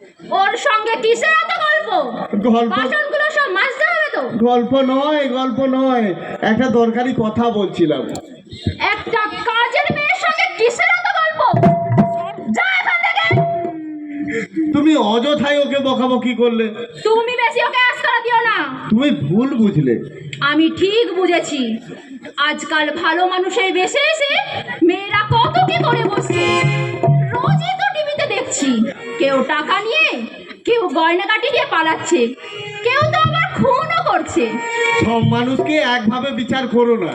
ওর সঙ্গে কিসের এত গল্প? বাসনগুলো সব মাজতে হবে তো। গল্প নয়, একটা দরকারি কথা বলছিলাম। একটা কাজের মেয়ের সঙ্গে কিসের এত গল্প? যা এখান থেকে। তুমি অযথাই ওকে বকাবকি করলে। তুমি বেশি ওকে আস্কারা দিও না। তুমি ভুল বুঝলে। আমি ঠিক বুঝেছি। আজকাল ভালো মানুষের বেশে এসে মেয়েরা কত কি করে বসছে। রোজই তো টিভিতে দেখছি, কেউ টাকা নিয়ে, কেউ গয়নাগাটি দিয়ে পালাচ্ছে, কেউ তো আবার খুনও করছে। সব মানুষকে একভাবে বিচার করো না।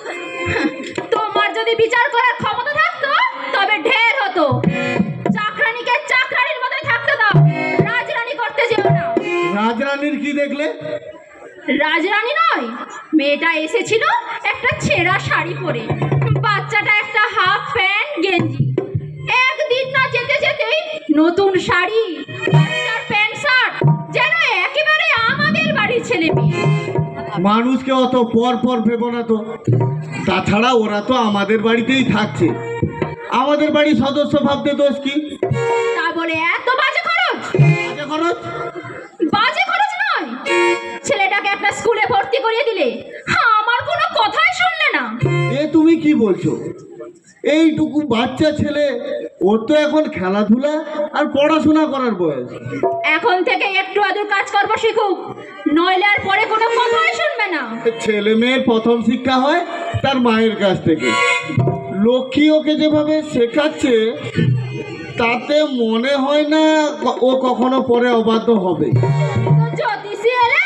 তোমার যদি বিচার করার ক্ষমতা থাকতো তবে ঢের হতো। চাকরানিকে চাকরানির মতোই থাকতে দাও, রাজরানী করতে যেও না। রাজরানীর কি দেখলে? রাজরানী নয়, মেয়েটা এসেছিল একটা ছেঁড়া শাড়ি পরে, বাচ্চাটা একটা হাফ প্যান্ট গেঞ্জি। একদিন না যেতে যেতেই নতুন শাড়ি, বাচ্চার প্যান্ট শার্ট, যেন একেবারে আমাদের বাড়ির ছেলে মেয়ে। মানুষকে অত পর ভেবো না তো। তাছাড়া ওরা তো আমাদের বাড়িতেই থাকছে, আমাদের বাড়ির সদস্য ভাবতে দোষ কি? তা বলে এত বাজে খরচ? বাজে খরচ? বাজে খরচ নয়, ছেলেটাকে একটা স্কুলে ভর্তি করিয়ে দিলে আমার কোনো কথাই শুনলে না। এ তুমি কি বলছো? এইটুকু বাচ্চা ছেলে, ওর তো এখন খেলাধুলা আর পড়াশোনা করার বয়স। এখন থেকে একটু আদর কাজ করবো শিখুক, নইলে আর পরে কোনো কথাই শুনবে না। ছেলে মেয়ের প্রথম শিক্ষা হয় তার মায়ের কাছ থেকে। লক্ষ্মী ওকে যেভাবে শেখাচ্ছে তাতে মনে হয় না ও কখনো পরে অবাধ্য হবে। জ্যোতিষী এলে?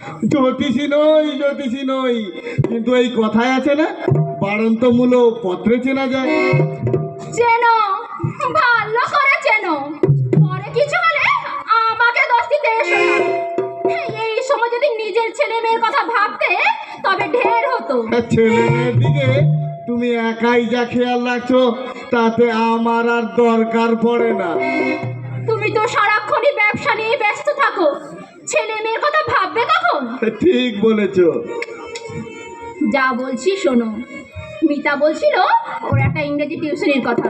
জ্যোতিষী নই, কিন্তু এই কথায় আছে না, বাড়ন্ত মূল পত্রে চেনা যায়। চেনো, ভালো করে চেনো, পরে কিছু হলে আমাকে দোষ দিতে এসো না। এই সময় যদি নিজের ছেলে মেয়ের কথা ভাবতে তবে ঢের হতো। ছেলে মেয়ের দিকে তুমি একাই যা খেয়াল রাখছো তাতে আমার আর দরকার পড়ে না। তুমি তো সারাক্ষণই ব্যবসা নিয়ে ব্যস্ত থাকো, ছেলে মেয়ের কথা ভাববে কখন? ঠিক বলেছো। যা বলছি শোনো, মিতা বলছিল ওর একটা ইংরেজি টিউশনের কথা।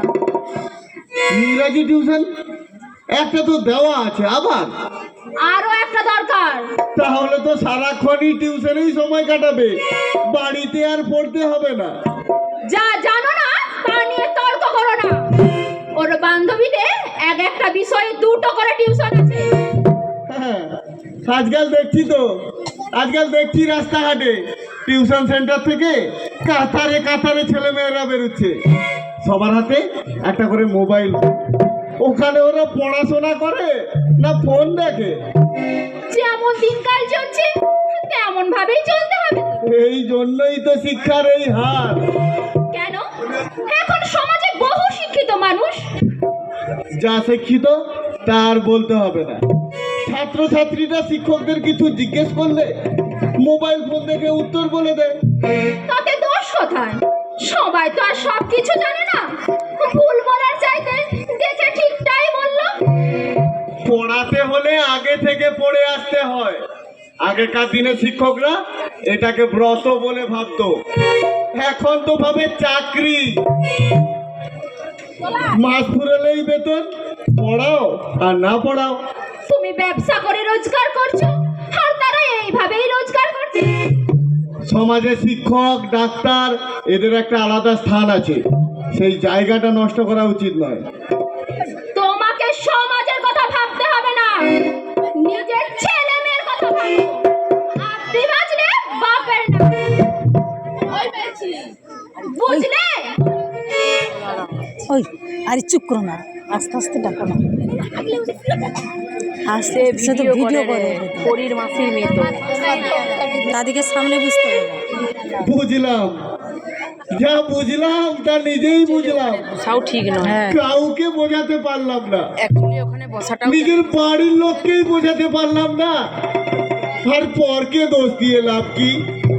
ইংরাজি টিউশন? একটা তো দেওয়া আছে, আবার আরো একটা দরকার। তাহলে তো সারাক্ষণই টিউশনেই সময় কাটাবে, বাড়িতে আর পড়তে হবে না। যা জানো না তা নিয়ে তর্ক করো না। ওর বান্ধবীদের এক একটা বিষয়ে দুটো করে টিউশন আছে। হ্যাঁ, আজকাল দেখছি রাস্তাঘাটে টিউশন সেন্টার থেকে কাতারে ছেলে মেয়েরা বেরোচ্ছে, সবার হাতে একটা করে মোবাইল। ওখানে ওরা পড়াশোনা করে না ফোন দেখে? যেমন দিনকাল চলছে তেমন ভাবেই চলতে হবে। এই জন্যই তো শিক্ষার এই হার। কেন? এখন সমাজে বহু শিক্ষিত মানুষ। যা শিক্ষিত তার বলতে হবে না। ছাত্রছাত্রীরা শিক্ষকদের কিছু জিজ্ঞেস করলে মোবাইল ফোন দেখে উত্তর বলে দেয়। তাতে দোষ কোথায়? সবাই তো আর সব কিছু জানে না। ভুল বলার চাইতে দেখে ঠিকটাই বললো। পড়াতে হলে আগে থেকে পড়ে আসতে হয়। আগেকার দিনে শিক্ষকরা এটাকে ব্রত বলে ভাবতো, এখন তো ভাবে চাকরি। মাস ফুরালেই বেতন, পড়াও আর না পড়াও। তুমি ব্যবসা করে রোজগার করছো আর তারা এইভাবেই রোজগার করছে। সমাজে শিক্ষক, ডাক্তার এদের একটা আলাদা স্থান আছে, সেই জায়গাটা নষ্ট করা উচিত নয়। তোমাকে সমাজের কথা ভাবতে হবে না, নিজের ছেলে মেয়ের কথা ভাবো। আপনি বাঁচলে বাপের না, বুঝলে? ওই আরে চুপ করো না, আস্তে আস্তে ডাকো না। আস্তে সে তো ভিডিও করে পরীর মাসির মেয়ে তো, তাদেরকে সামনে বুঝতে হবে। বুঝলাম, যা বুঝলাম তা নিজেই বুঝলাম, তাও ঠিক নয়। হ্যাঁ, কাউকে বোঝাতে পারলাম না। অ্যাকচুয়ালি ওখানে বসাটাও নিজের বাড়ির লোককেই বোঝাতে পারলাম না, আর পরকে দোষ দিয়ে লাভ কি?